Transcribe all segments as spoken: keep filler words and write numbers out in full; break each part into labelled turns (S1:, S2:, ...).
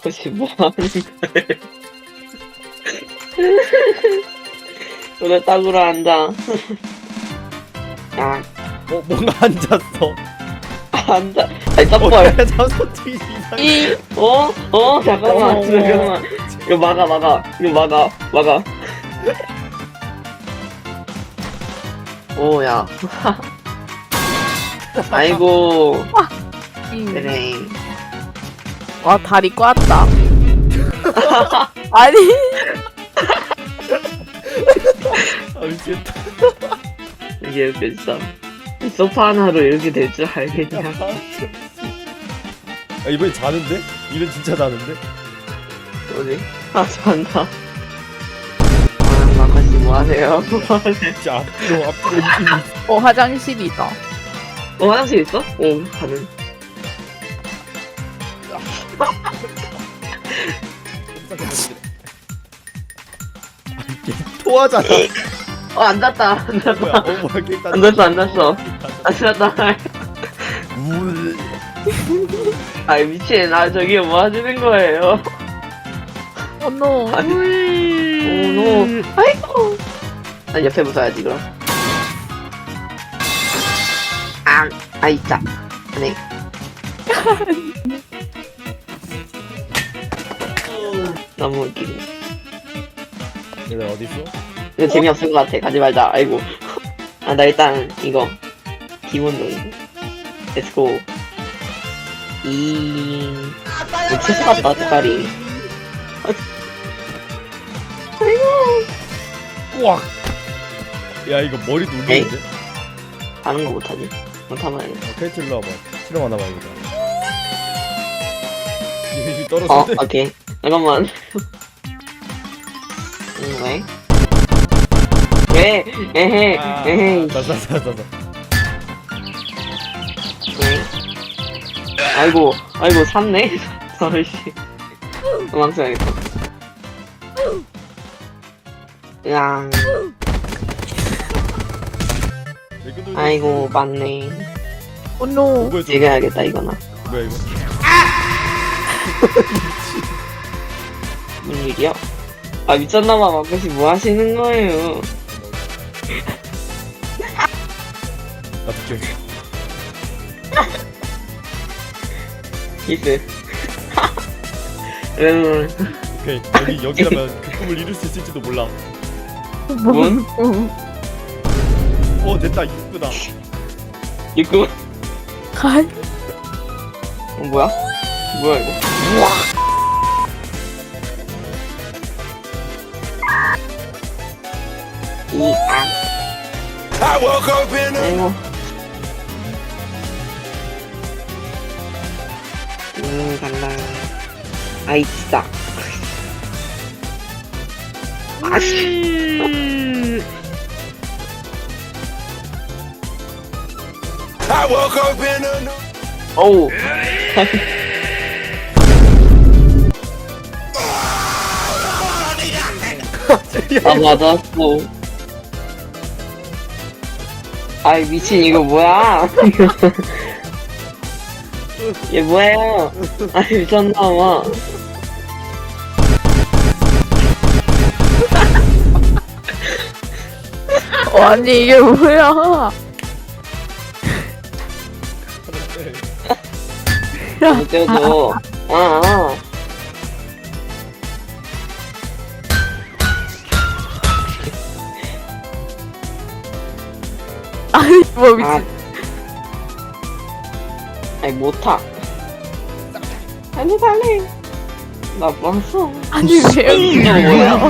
S1: 마코씨 뭐 하는 거예요? 왜 딱으로 앉아? 아,
S2: 어 뭔가 앉았어.
S1: 앉아. 아니,
S2: 어
S1: 떡벌.
S2: 자소 트윗 이상해.
S1: 이, 어? 어? 잠깐만,
S2: 어.
S1: 잠깐만. 이거 막아, 막아. 이거 막아, 막아. 오, 야. 아이고. 그래.
S3: 와 다리 꽈다. 아니
S2: 아 미치겠다.
S1: 이게 이렇게 진짜. 소파 하나로 이렇게 될 줄 알겠냐.
S2: 아 이번엔 자는데? 이번 진짜 자는데?
S1: 뭐지? 아, 잔다. 아, 마카씨 뭐 하세요? 뭐 하세요?
S2: 진짜 앞뒤로 앞뒤로 움직이고 있어.
S3: 어 화장실이다.
S1: 어, 화장실 있어? 오, 가는.
S2: 토하잖아.
S1: 어, 앉았다. 앉았다.
S2: 뭐야? 어 뭐야? 일단
S1: 앉았어, 앉았어. 앉았다.
S2: 물.
S1: 아, 미친. 아, 저기 뭐 하시는 거예요?
S3: 어노.
S1: 아니, 오, 노. 아이고. 난 옆에 붙어야지, 그럼. 아, 아, 있자. 네. 너무 웃기네.
S2: 얘들 어디 있어?
S1: 이거 재미없을 것 같아. 가지 말자. 아이고. 아, 나 일단 이거 기본적인 거. 렛츠고. 이... 이거 치즈 같다, 색깔이.
S2: 꽉. 야 이거 머리 눌리는데?
S1: 하는 거 못하지? 못하면 안 돼.
S2: 어, 케이트 일로 와봐. 실험 하나 봐야겠다. 얘
S1: 어,
S2: 떨어졌네.
S1: 오케이. 잠깐만. 음, 왜? 왜? 에헤,
S2: 아,
S1: 에헤.
S2: 자자자자자.
S1: 왜? 아이고, 아이고, 샀네? 서울씨. 도망쳐야겠다. 으앙. 아이고, 맞네.
S3: 어노.
S2: 뭐야
S1: 찍어야겠다, 이거나.
S2: 뭐야 이거?
S1: 무슨 일이야? 아, 미쳤나봐, 마크씨 뭐 하시는 거예요?
S2: 나 비켜.
S1: 키스. 여러분,
S2: 오케이 여기 여기라면 그 꿈을 이룰 수 있을지도 몰라.
S1: 뭔?
S2: 어 됐다 이쁘다.
S1: 이거,
S3: 아니
S1: 어, 뭐야? 뭐야, 이거? 이, 아. 아이고. 음, 간다. 아이, 진짜. 아씨. 어우. 아, 맞았어. 아이, 미친, 이거 뭐야? 얘 뭐예요? 아이, 미쳤나봐.
S3: 어, 아니 이게 뭐야?
S1: 못 떼어줘. 아, 아.
S3: 아니 뭐 미친.
S1: 아. 아이, 못 타. 빨리, 빨리. 나 봤어.
S3: 아니 왜 여기
S1: 이거 뭐야?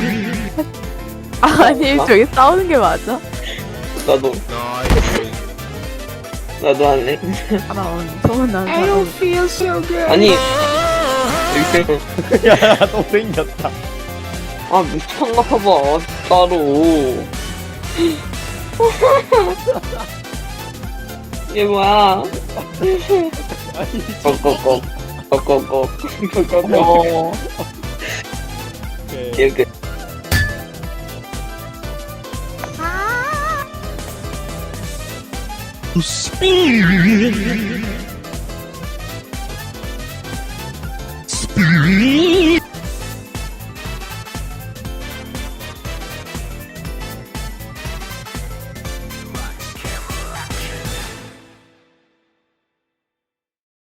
S3: 아니 저기 싸우는 게 맞아?
S1: 나도. 나도 할래.
S3: 아 소문 나는 사람.
S1: 아니. 여기
S2: 야또 생겼다.
S1: 아, 미쳤나 봐봐. 따로. 얘 뭐야?
S2: 아니
S1: 꼭꼭꼭. 꼭꼭꼭. 꼭꼭꼭.
S3: 어.
S2: 오케이.
S1: 이렇게.
S4: Spirit. Spirit.